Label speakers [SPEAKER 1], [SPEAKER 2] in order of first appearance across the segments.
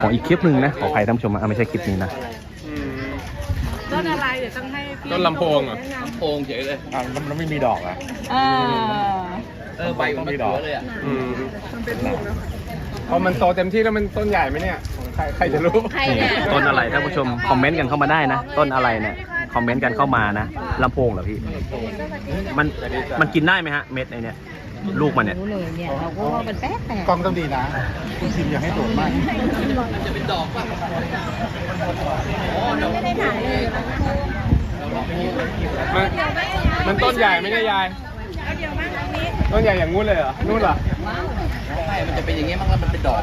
[SPEAKER 1] ของอีกคลิปหนึ่งนะขออภัยท่านผู้ชมไม่ใช่คลิปนี้นะ
[SPEAKER 2] ต้นอะไรเดี๋ยวต้องให้พี่
[SPEAKER 3] ต้นลำโพงเหรอ
[SPEAKER 4] ลำโพงเฉยเลย
[SPEAKER 1] มันไม่มีดอกอะ
[SPEAKER 4] ใบมันไม่ดอกเลยอ่ะ
[SPEAKER 3] พอมันโตเต็มที่แล้วมันต้นใหญ่ไหมเนี่ยใครจะรู้
[SPEAKER 1] ต้นอะไรท่านผู้ชมคอมเมนต์กันเข้ามาได้นะ ต้นอะไรเนี่ยคอมเมนต์กันเข้ามานะลำโพงเหรอพี่มันกินได้ไหมฮะเม็ดไอเนี่ยลูกมันเนี่ย
[SPEAKER 2] รู้เลยเนี่ยเราก็ว่ามันแป๊ก
[SPEAKER 5] กล้องต้องดีนะคุณชิมอย่าให้โดดมาก
[SPEAKER 4] จะเป็นดอกป่ะ
[SPEAKER 3] มันต้นใหญ่ไหมเนี่ยยายต้นใหญ่อย่างงู้นเลยเหรอนู่นเหรอ
[SPEAKER 4] ไม่มันจะเป็นอย่างเงี้ยมั้งแล้วมันเป็นดอก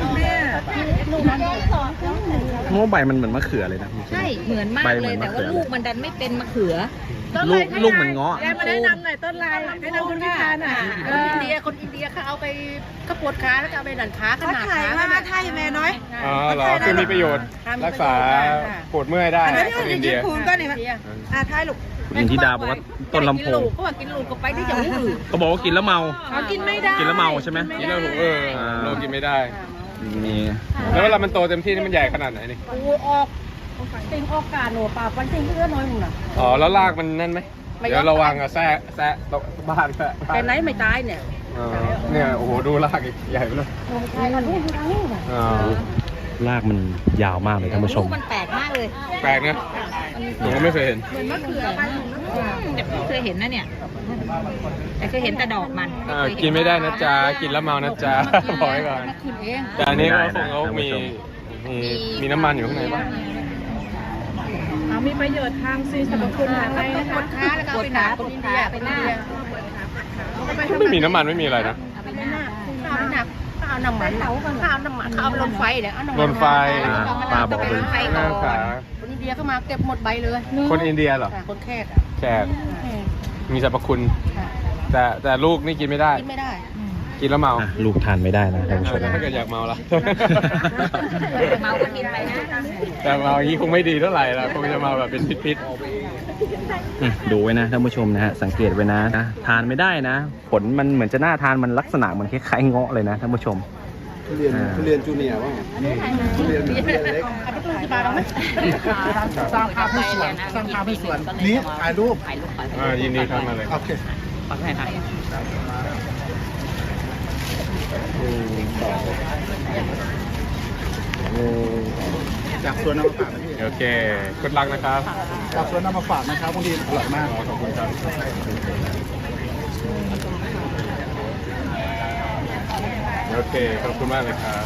[SPEAKER 1] โม่ใบมันเหมือนมะเขือเลยนะ
[SPEAKER 2] ใช่เหมือนมากเลยแต่ว่าลูกมันดันไม่เป็นมะเขือ
[SPEAKER 1] ลูกเหมือนเงาะ
[SPEAKER 2] แกมาแนะนำหน่อยต้นลายแนะนำคุณพิธาหน่อย
[SPEAKER 6] คนอินเดียเขาเอาไปกระปวดขาแล้วก็เอาไปดันขาขนาดขาขนาด
[SPEAKER 2] ไทยแม่น้อย
[SPEAKER 3] อ๋อเหรอคือมีประโยชน์รักษาปวดเมื่อยได้คนอินเดีย
[SPEAKER 2] คุณก็นี่มั้ยไทยลูก
[SPEAKER 1] คุณหญิงธิดาบอกว่าต้นลำโพง
[SPEAKER 6] ก็ว่ากินลูกก็ไปที่จะหูอื่น
[SPEAKER 1] เขาบอกว่ากินแล้วเมา
[SPEAKER 2] เขากินไม่ได้
[SPEAKER 1] กินแล้วเมาใช่ไหม
[SPEAKER 3] กินแล้วเรากินไม่ได้
[SPEAKER 1] มี
[SPEAKER 3] แล้วเวลามันโตเต็มที่นี่มันใหญ่ขนาดไหนนี่
[SPEAKER 6] กูออกติงออกกาหนูป่าปันติงเพื่อน้อยมึงน่ะ
[SPEAKER 3] อ๋อแล้วรากมันนั่นไหมเดี๋ยวระวังอะแซะตกบ้านแซะ
[SPEAKER 6] แต่ไหนไม่ตายเนี่ย
[SPEAKER 3] เนี่ยโอ้โหดูรากอีกใหญ่ไปเลย
[SPEAKER 6] ตายกันหูทางนี้
[SPEAKER 3] อ๋อ
[SPEAKER 1] รากมันยาวมากเลยท่านผู้ช
[SPEAKER 2] ลู
[SPEAKER 1] ม
[SPEAKER 2] กมันแปลกมากเลย
[SPEAKER 3] แปลกนะผมก็ไม่เคยเห็น
[SPEAKER 2] แต่เคยเห็นนะเนี่ยแต่เคยเห็นแต่ดอกมัน
[SPEAKER 3] กินไม่ได้นะจ๊ะกินแล้วเมานะจ๊ะบอกไว้ก่อน
[SPEAKER 6] มาขึ้นเอง
[SPEAKER 3] แต่อันนี้เขาคงเขามีน้ำมันอยู่ข้างในป่ะ
[SPEAKER 2] มีประโยชน์ทางซีสรรพคุณอะไร
[SPEAKER 6] ปวดขาแล้วก็ไปหนาคนอินเดียไปหน้า
[SPEAKER 3] ไม่มีน้ำมันไม่มีอะไรนะ
[SPEAKER 6] ไปหน้าข้าวน้ำมันข้าวลนไฟเนี่ยเอาน้ำมัน
[SPEAKER 3] ลนไฟ
[SPEAKER 1] ป้าบอกว่าเป็น
[SPEAKER 6] ไฟ
[SPEAKER 3] ห
[SPEAKER 6] ก่
[SPEAKER 3] น้า
[SPEAKER 6] อ
[SPEAKER 3] ขาน
[SPEAKER 6] คนอินเดียเข้ามาเก็บหมดใบเลย
[SPEAKER 3] คนอินเดียเหรอ
[SPEAKER 6] คนแขก
[SPEAKER 3] แขกมีสรรพคุณ แต่ลูกนี่กินไม่ได้
[SPEAKER 6] กินไม่ได้
[SPEAKER 3] กินแล้วเมา
[SPEAKER 1] อ่ะลูกทานไม่ได้นะท่านผู้ชม
[SPEAKER 3] ถ้าเกิดอยากเมาละ
[SPEAKER 2] เมาก็กินไปนะ
[SPEAKER 3] แต่เมาอย่างนี้คงไม่ดีเท่าไหร่ละคงจะเมาแบบเป็นพิษ
[SPEAKER 1] ดูไว้นะท่านผู้ชมนะฮะสังเกตไว้นะทานไม่ได้นะ ผลมันเหมือนจะน่าทานมันลักษณะเหมือนคล้ายๆเงาะเลยนะท่านผู้ชม
[SPEAKER 5] ทุเรียนจูเนียร์ว่าทุเรียนเล็ก
[SPEAKER 6] เอาไปตู้ที่บ้านเราไหม
[SPEAKER 5] สร้างภาพให้สวนสร้างภาพให้สวนนี้ถ่ายรูป
[SPEAKER 3] ๆยินดีครับมาเลย
[SPEAKER 5] โอเคจากสวนนำมาฝากนะพี่
[SPEAKER 3] โอเคกดลักนะครับ
[SPEAKER 5] จากสวนนำมาฝากนะครับบางทีอร่อยมาก
[SPEAKER 3] ขอบคุณครับโอเคขอบคุณมากเลยครับ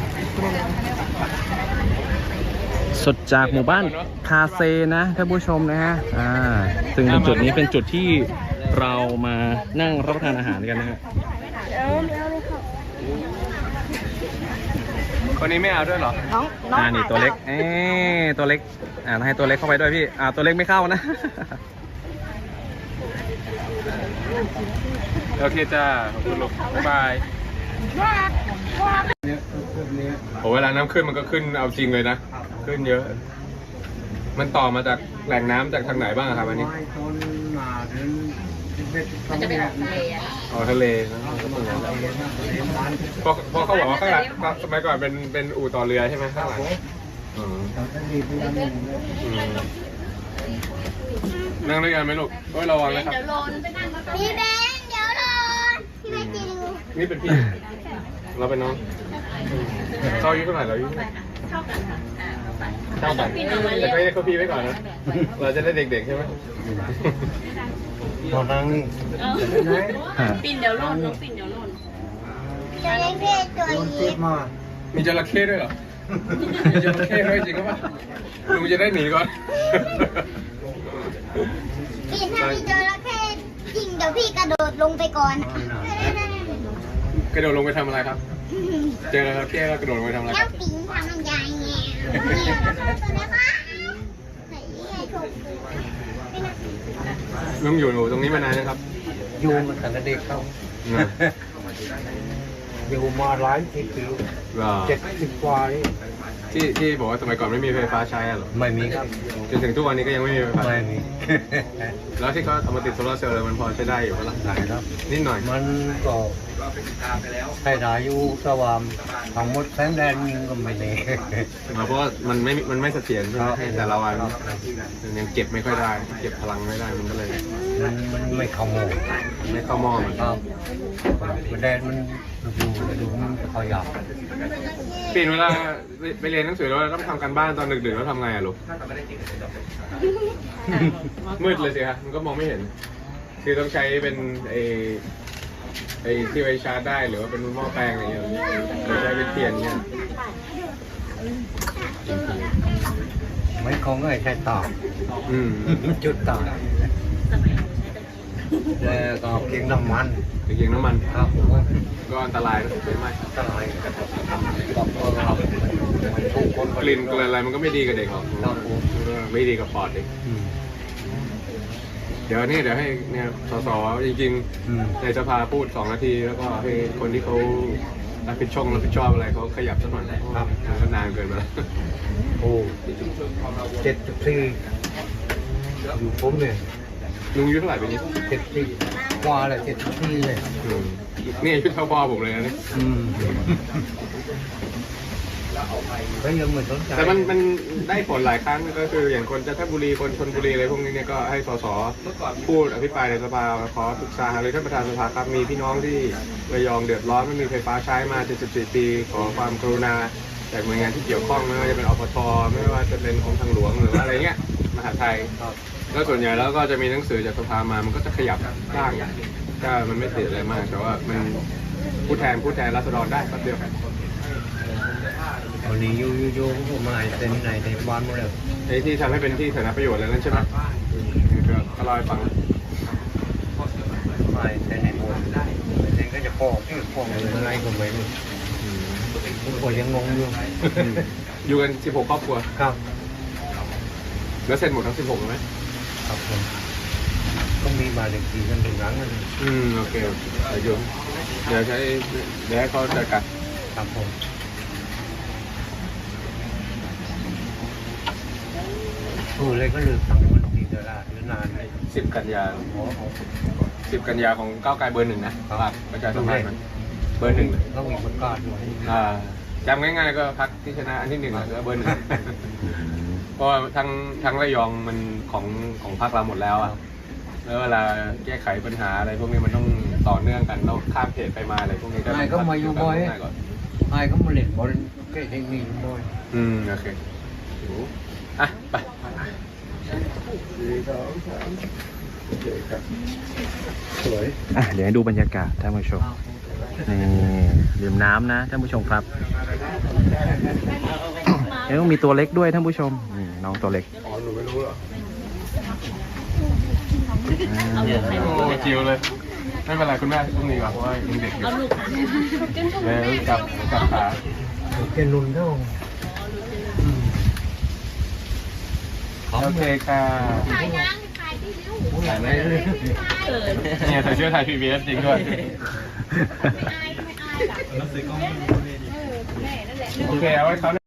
[SPEAKER 1] สดจากหมู่บ้านคาเซนะท่านผู้ชมนะฮะซึ่งตรงจุดนี้เป็นจุดที่เรามานั่งรับประทานอาหารกันนะฮะ
[SPEAKER 3] คนนี้ไม่เอาด้วยเหรอ
[SPEAKER 1] นี่ตัวเล็กตัวเล็กให้ตัวเล็กเข้าไปด้วยพี่ตัวเล็กไม่เข้านะ
[SPEAKER 3] โอเคจ้าขอบคุณลูกบ๊ายบายโหเวลาน้ำขึ้นมันก็ขึ้นเอาจริงเลยนะขึ้นเยอะ มันต่อมาจากแหล่งน้ำจากทางไหนบ้างอะครับอันนี้
[SPEAKER 2] มันจะไปออกทะเลอะ
[SPEAKER 3] อ๋อทะเลนะเพราะเขาบอกว่าข้างหลังสมัยก่อนเป็นอู่ต่อเรือใช่ไหมข้างหลังนั่งด้วยกันไหมลูกโอ้ยระวังนะครับ
[SPEAKER 7] พี่เบนเดี๋ยวรอพี่เบนจะดู
[SPEAKER 3] นี่เป็นพี่เราเป็นน้องเราอายุเท่าไหร่เราอายุเท่ากันแต่ก็ให้เขาพี่ไว้ก่อนนะเราจะได้เด็กๆใช่ไหม
[SPEAKER 5] ตอนนั้น
[SPEAKER 2] ปิ่นเดี๋ยวล่นน้องปิ่นเดี๋ยวล่น
[SPEAKER 7] จะเล่นเพศตัวนี้
[SPEAKER 3] มีจระเข้ด้วยเหรอมีจระเข้ด้วยจริงหรือเปล่าลุงจะได้หนีก่อน
[SPEAKER 7] พี่ถ้ามีจระเข้จริงเดี๋ยวพี่กระโดดลงไปก่อน
[SPEAKER 3] กระโดดลงไปทำอะไรครับ เจอจระเข้แล้วกระโดดลงไปทำอะไรค
[SPEAKER 7] แล้
[SPEAKER 3] รั
[SPEAKER 7] ว
[SPEAKER 3] บ
[SPEAKER 7] ปิงทำยังไงเนี่ยนะคะ
[SPEAKER 3] ลุงอยู่ตรงนี้มานานนะครับ
[SPEAKER 5] อยู่มาตั้งแต่เด็กเข้าอยู่มาหลายสิบปี70 กว่า
[SPEAKER 3] ที่บอกว่าสมัยก่อนไม่มีไฟฟ้าใช้อะเหรอ
[SPEAKER 5] ไม่มีครับ
[SPEAKER 3] จนถึงทุกวันนี้ก็ยังไม่มีไฟฟ้า
[SPEAKER 5] ไม่มี
[SPEAKER 3] แล้วที่เขาเอามาติดโซลาร์เซลล์เลยมันพอใช้ได้อยู่ปะล่ะ
[SPEAKER 5] ไหนครับ
[SPEAKER 3] นิดหน่อย
[SPEAKER 5] มันก็ใครถ่ายอยู่สว่างทั้งหมดแสงแดนยิงก็ไม่ได้
[SPEAKER 3] เพราะว่ามันไม่เสถียรใช่ไหมแต่ละวันมันยังเก็บไม่ค่อยได้ เก็บพลังไม่ได้มันก็เลย
[SPEAKER 5] มันไม่เข้าโมง
[SPEAKER 3] ไม่เข้าหม้อเหมือน
[SPEAKER 5] ครับมันแดนมันดูมันขยับ
[SPEAKER 3] ปีนเวลาไปเรียนหนังสือแล้วต้องทำการบ้านตอนดึกๆแล้วทำไงอะลูกมืดเลยสิครับมันก็มองไม่เห็น คือต้องใช้เป็นไอ้ที่ไว้ชาร์จได้หรือว่าเป็นหม้อแปลงอะไรอย่างเงี้ยหรือใช้เป็นเทียนเนี่ย
[SPEAKER 5] ไม่คงไม่ใช่ต่อ
[SPEAKER 3] อืม
[SPEAKER 5] จุดต่อแล้วก็เกียงน้ำมัน
[SPEAKER 3] ตะเกียงน้ำมัน
[SPEAKER 5] ครับผม
[SPEAKER 3] ก็อันตรายนะใช่ไหม
[SPEAKER 5] ตลายกับเราทุกคน
[SPEAKER 3] กลิ่นอะไรมันก็ไม่ดีกับเด็กหรอก
[SPEAKER 5] ครับผม
[SPEAKER 3] ไม่ดีกับปอดเด็กเดี๋ยวให้เนี่ยสสจริงๆในสภาพูด2 นาทีแล้วก็ให้คนที่เขารับผิดชอบอะไรเขาขยับสักหน่อยครับมันก็นานเกินไปแล้ว
[SPEAKER 5] โอ้74อยู่ผมเนี่ย
[SPEAKER 3] ลุงอายุเท่าไหร่ปีนี้
[SPEAKER 5] 70กว่าเลย74เลย
[SPEAKER 3] นี่อายุเท่าพ่อผมเลยนะนี่
[SPEAKER 5] ก็ยังไม่สนใจ
[SPEAKER 3] แต่มันได้ผลหลายครั้งก็คืออย่างคนจันทบุรีคนชลบุรีอะไรพวกนี้เนี่ยก็ให้สสพูดอภิปรายในสภาขอปรึกษาหารือท่านประธานสภาครับมีพี่น้องที่ระยองเดือดร้อนไม่มีไฟฟ้าใช้มา74 ปีขอความกรุณาจากหน่วยงานที่เกี่ยวข้องไม่ว่าจะเป็นอปทไม่ว่าจะเป็นของทางหลวงหรืออะไรเงี้ยมหาไทยแล้วส่วนใหญ่แล้วก็จะมีหนังสือจากสภามามันก็จะขยับร่างก็มันไม่ติดอะไรมากแต่ว่ามันผู้แทนราษฎรได้แป๊บเดียว
[SPEAKER 5] วันนี้ยูก็มาเต็มในบ้านหมดเลย
[SPEAKER 3] ไอ้ที่ทำให้เป็นที่สาธารณประโยชน์อะไรนั่นใช่ไหมก็เล่าให้ฟัง
[SPEAKER 5] มาเต็มในหมดเต็มก็จะฟ้องอะไรก็ไม่รู้ผมก็ยังงงอยู่
[SPEAKER 3] อยู่กัน16 ครอบครัว
[SPEAKER 5] ครับ
[SPEAKER 3] แล้วเสร็จหมดทั้ง16ไหม
[SPEAKER 5] ครับผมต้องมีบาเล็กทีกันถึงหลังกัน
[SPEAKER 3] โอเคเดี๋ยวให้เขาจัดการ
[SPEAKER 5] ครับผมเลยก็เลือกตั้งวันที่เดือนละหรือนานเลย
[SPEAKER 3] 10 กันยา10 กันยาของก้าวไกลเบอร์ 1นะฝากประชาสัมพันธ์มันเบอร์ 1เลย
[SPEAKER 5] ต้องมีประกาศด้วย
[SPEAKER 3] จำง่ายๆก็พรรคที่ชนะอันที่1แล้วเบอร์ 1เพราะว่าทั้งระยองมันของพรรคเราหมดแล้วอะแล้วเวลาแก้ไขปัญหาอะไรพวกนี้มันต้องต่อเนื่องกันต้องข้ามเขตไปมาอะไรพวกนี้
[SPEAKER 5] ไอ้ก็มาอยู่บ่อยไอ้ก็มาเล่นบอลแค่เทคนิคบ่อย
[SPEAKER 3] โอเคอ่ะไปสวย
[SPEAKER 1] เดี๋ยวให้ดูบรรยากาศท่านผู้ชมนี่ดื่มน้ำนะท่านผู้ชมครับยังต้องมีตัวเล็กด้วยท่านผู้ชมนี่น้องตัวเล็ก
[SPEAKER 3] อ๋อหนูไม่รู้หรอโอ้จิวเลยไม่เป็นไรคุณแม่ต้องมีก่อนเพราะว่ายังเด็กอยู่แล้วจับขา
[SPEAKER 5] แกนุ่นเท่า
[SPEAKER 3] โอเคค่ะ
[SPEAKER 7] ถ่ายยังถ่ายที่ริ้ว
[SPEAKER 3] ถ่ายไหม
[SPEAKER 7] ถ่าย
[SPEAKER 3] เนี่ยใส่เสื้อไทย PBS จริงด้วย
[SPEAKER 7] ไม่อายล่ะ
[SPEAKER 3] โอเคเอาไว้เขา